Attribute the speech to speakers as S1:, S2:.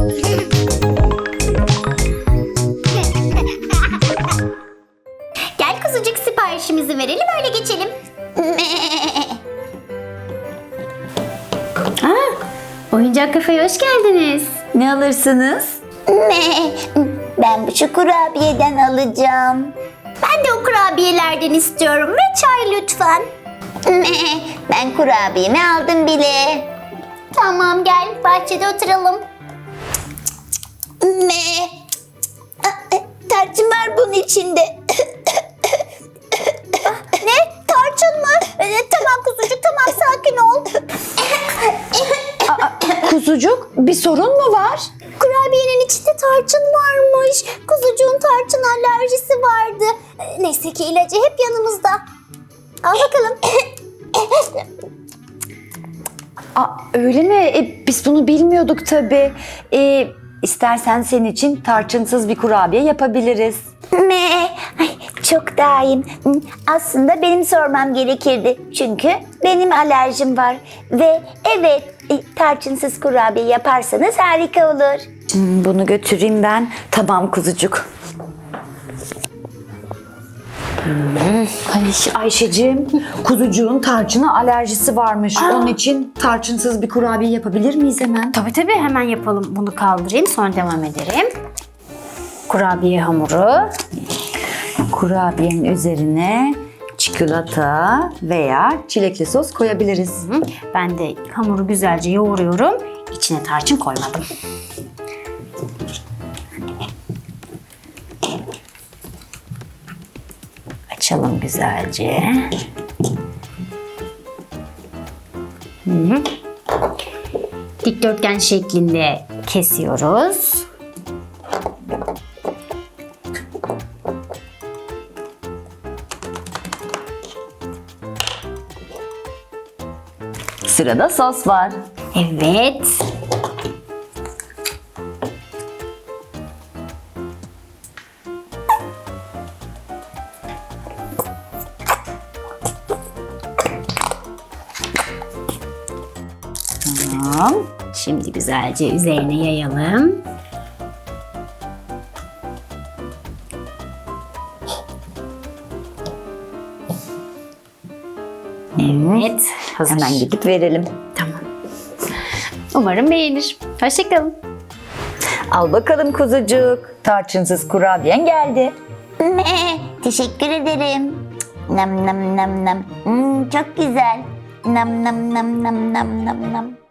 S1: Gel kuzucuk, siparişimizi verelim, öyle geçelim. Oyuncak kafeye hoş geldiniz.
S2: Ne alırsınız?
S3: Ben şu kurabiyeden alacağım.
S1: Ben de o kurabiyelerden istiyorum ve çay lütfen.
S3: Ben kurabiyemi aldım bile.
S1: Tamam, gel bahçede oturalım.
S3: Tarçın var bunun içinde.
S1: Ne? Tarçın mı? Tamam kuzucuk, tamam, sakin ol.
S2: Kuzucuk, bir sorun mu var?
S1: Kurabiyenin içinde tarçın varmış. Kuzucuğun tarçın alerjisi vardı. Neyse ki ilacı hep yanımızda. Al bakalım.
S2: Öyle mi? Biz bunu bilmiyorduk tabii. İstersen senin için tarçınsız bir kurabiye yapabiliriz.
S3: Ay, çok daha iyiyim. Aslında benim sormam gerekirdi. Çünkü benim alerjim var. Ve evet, tarçınsız kurabiye yaparsanız harika olur.
S2: Bunu götüreyim ben. Tamam kuzucuk. Ayşeciğim, kuzucuğun tarçına alerjisi varmış. Onun için tarçınsız bir kurabiye yapabilir miyiz hemen?
S1: Tabii, hemen yapalım. Bunu kaldırayım, sonra devam ederim. Kurabiye hamuru.
S2: Kurabiyenin üzerine çikolata veya çilekli sos koyabiliriz.
S1: Ben de hamuru güzelce yoğuruyorum. İçine tarçın koymadım. Açalım güzelce. Dikdörtgen şeklinde kesiyoruz.
S2: Sırada sos var.
S1: Evet. Tamam. Şimdi güzelce üzerine yayalım. Evet. Hazır.
S2: Hemen gidip verelim.
S1: Tamam. Umarım beğenir. Hoşça kalın.
S2: Al bakalım kuzucuk. Tarçınsız kurabiyen geldi.
S3: Teşekkür ederim. Nam nam nam nam. Çok güzel. Nam nam nam nam nam nam nam.